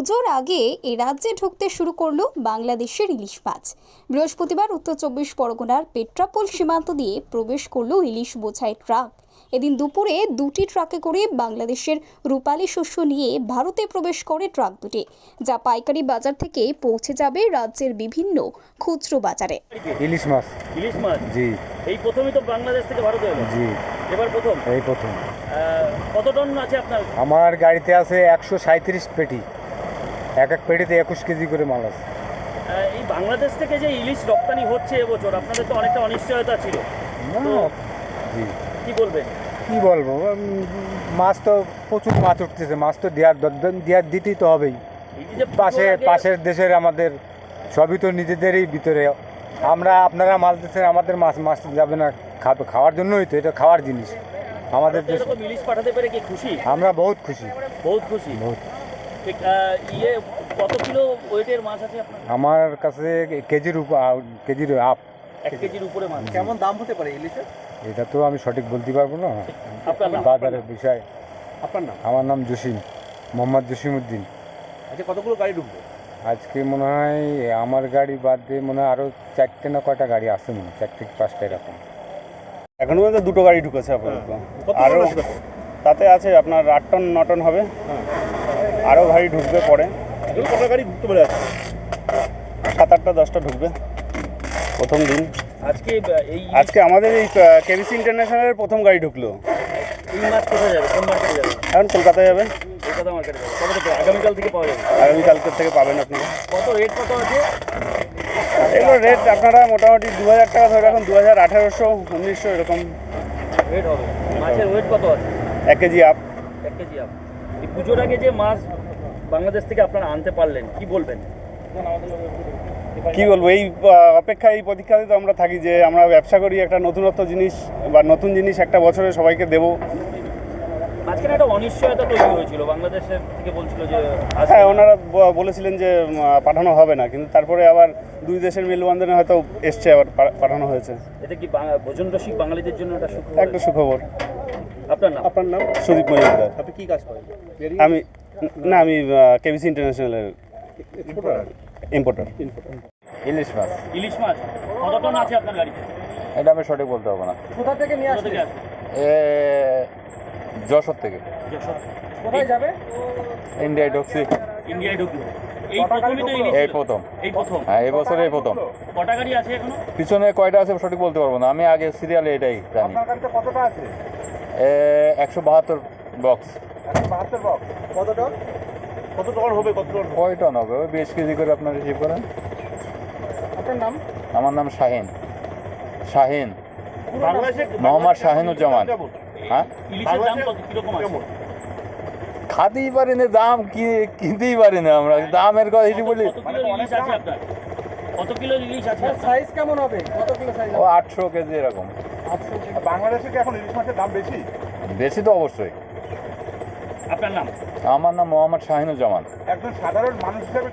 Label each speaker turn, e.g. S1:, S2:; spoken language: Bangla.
S1: পুজোর আগে এ রাজ্যে ঢুকতে শুরু করলো বাংলাদেশের ইলিশ মাছ। বৃহস্পতিবার উত্তর চব্বিশ পরগনার পেট্রাপোল সীমান্ত দিয়ে প্রবেশ করলো ইলিশ বোঝাই ট্রাক। এদিন দুপুরে দুটি ট্রাকে করে বাংলাদেশের রূপালী শস্য নিয়ে ভারতে প্রবেশ করে ট্রাক দুটি, যা পাইকারি বাজার থেকে পৌঁছে যাবে রাজ্যের বিভিন্ন খুচরো বাজারে।
S2: ইলিশ মাছ।
S3: ইলিশ মাছ,
S2: জি
S3: এই প্রথমই তো বাংলাদেশ থেকে ভারতে এলো।
S2: জি,
S3: এবার প্রথম।
S2: এই প্রথম।
S3: কত টন আছে আপনার?
S2: আমার গাড়িতে আছে 137 পেটি, এক এক পেটিতে 21 কেজি করে মাল আছে।
S3: এই বাংলাদেশ থেকে যে ইলিশ রপ্তানি হচ্ছে এবছর, আপনাদের তো অনেকটা অনিশ্চয়তা ছিল।
S2: জি,
S3: কি বলবেন?
S2: কি বলবো, মাছ তো প্রচুর মাছ উঠতেছে, মাছ তো দিতেই তো হবেই।
S3: এই যে
S2: পাশের দেশের আমাদের সবই তো নিজেদেরই ভিতরে, আপনারা মাছ দিচ্ছেন, আমাদের মাছ যাবে না, খাওয়ার জন্যই তো, এটা খাওয়ার জিনিস আমাদের দেশে।
S3: এরকম ইলিশ পাঠাতে পেরে কি খুশি?
S2: আমরা বহুত খুশি,
S3: বহুত খুশি।
S2: বহুত।
S3: ঠিক, কত কিলো ওয়েটের মাছ আছে আপনার?
S2: আমার কাছে কেজির আপ
S3: 1 কেজির উপরে মাছ।
S4: কেমন দাম হতে পারে ইলিশের?
S2: এটা তো আমি সঠিক বলতে পারবো না,
S3: আপনার নাম?
S2: বাজারের বিষয়।
S4: আপনার নাম?
S2: আমার নাম জসিম, মোহাম্মদ জসিম উদ্দিন।
S4: আচ্ছা, কতগুলো গাড়ি ঢুকবে?
S2: আজকে মনে হয় আমার গাড়ি বাদ দিয়ে মনে হয় আরও 4টে না কয়টা গাড়ি আছে, মনে হয় 4 থেকে 5টা এরকম।
S5: এখনো পর্যন্ত 2টো গাড়ি ঢুকেছে আপাতত। আরও তাতে আছে আপনার 8 টন 9 টন হবে। আরও গাড়ি ঢুকবে পরে।
S4: কত গাড়ি ঢুকতে পারে?
S5: 7-8টা 10টা ঢুকবে প্রথম দিন। আজকে আমাদের এই কেবিসি ইন্টারন্যাশনালের প্রথম গাড়ি ঢুকলো।
S3: এই মাছ কোথায় যাবে? কোন মার্কেটে যাবে?
S5: এখন কলকাতায় যাবে,
S3: কলকাতা মার্কেটে যাবে। কত থেকে? আগামীকাল থেকে পাওয়া যাবে।
S5: আগামীকালকের থেকে পাবেন আপনারা।
S3: কত রেট কত আছে?
S5: এগুলো রেট আপনারা মোটামুটি 2000 টাকা ধরে রাখুন, 2000, 1800, 1900 এরকম
S3: রেট হবে। মাছের ওয়েট কত আছে?
S5: 1 কেজি আপ।
S3: 1 KG up. এই পুজোর আগে যে মাছ বাংলাদেশ থেকে আপনারা আনতে পারলেন, কি বলবেন?
S5: কি বলবো, এই অপেক্ষা, এই প্রতীক্ষাতে তো আমরা থাকি যে আমরা ব্যবসা করি, একটা নতুনত্ব জিনিস বা নতুন জিনিস একটা বছরে সবাইকে দেবো।
S3: মাঝখানে একটা অনিশ্চয়তা তৈরি হয়েছিল, বাংলাদেশের থেকে বলছিল যে
S5: হ্যাঁ, ওনারা বলেছিলেন যে পাঠানো হবে না, কিন্তু তারপরে আবার দুই দেশের মেলবন্ধনে হয়তো এসছে, আবার পাঠানো হয়েছে।
S3: এটা কি ভোজন রসিক বাঙালিদের জন্য
S5: একটা সুখবর।
S3: আপনার নাম?
S4: আপনার নাম?
S5: সুদীপ মজুমদার।
S4: আপনি কি কাজ করেন?
S5: আমি কেবিসি ইন্টারন্যাশনালের ইম্পোর্টার।
S2: ইলিশ মাছ।
S3: ইলিশ মাছ কত টন আছে আপনার গাড়িতে?
S2: এটা আমি সঠিক বলতে পারবো না।
S4: কোথা থেকে নিয়ে
S3: কোথা
S4: আসছে?
S3: থেকে আসে?
S2: যশোর থেকে।
S4: কোথায় যাবে?
S2: ইন্ডিয়ায় ঢুকছি,
S3: ইন্ডিয়ায় ঢুকলো। এই প্রথমই তো ইলিশ
S2: এই
S3: ছিল?
S2: প্রথম।
S3: এই প্রথম।
S2: হ্যাঁ, এই বছর এই প্রথম।
S3: কটা গাড়ি আছে এখনো?
S2: পিছনে কয়টা আছে সঠিক বলতে পারবো না, আমি আগে সিরিয়ালে এটাই জানি।
S4: আপনার গাড়িতে কতটা আছে?
S2: 172 বক্স।
S4: 172 বক্স। কত টন? কত টন হবে? কত টন?
S2: কয় টন হবে? ওই 20 কেজি করে আপনার রিসিভ করেন।
S4: আপনার নাম?
S2: আমার নাম শাহিন।
S4: বাংলাদেশে
S2: মোহাম্মদ শাহিনুজ্জামান। হ্যাঁ,
S3: ইলিশের দাম কত কিরকম আছে?
S2: খাতেই পারি না, দাম কিনতেই পারি না আমরা, দামের কথা হিসেবে বলি।
S3: কত কিলো ইলিশ আছে আপনার? কত কিলো ইলিশ আছে আপনার?
S4: সাইজ কেমন হবে? কত কিলো সাইজ?
S2: ও 800 কেজি এরকম।
S4: বাংলাদেশে কি এখন ইলিশ মাছের দাম বেশি?
S2: বেশি তো অবশ্যই।
S3: আপনার নাম?
S2: আমার নাম মোহাম্মদ শাহিনুজ্জামান।
S4: একজন সাধারণ মানুষ হিসেবে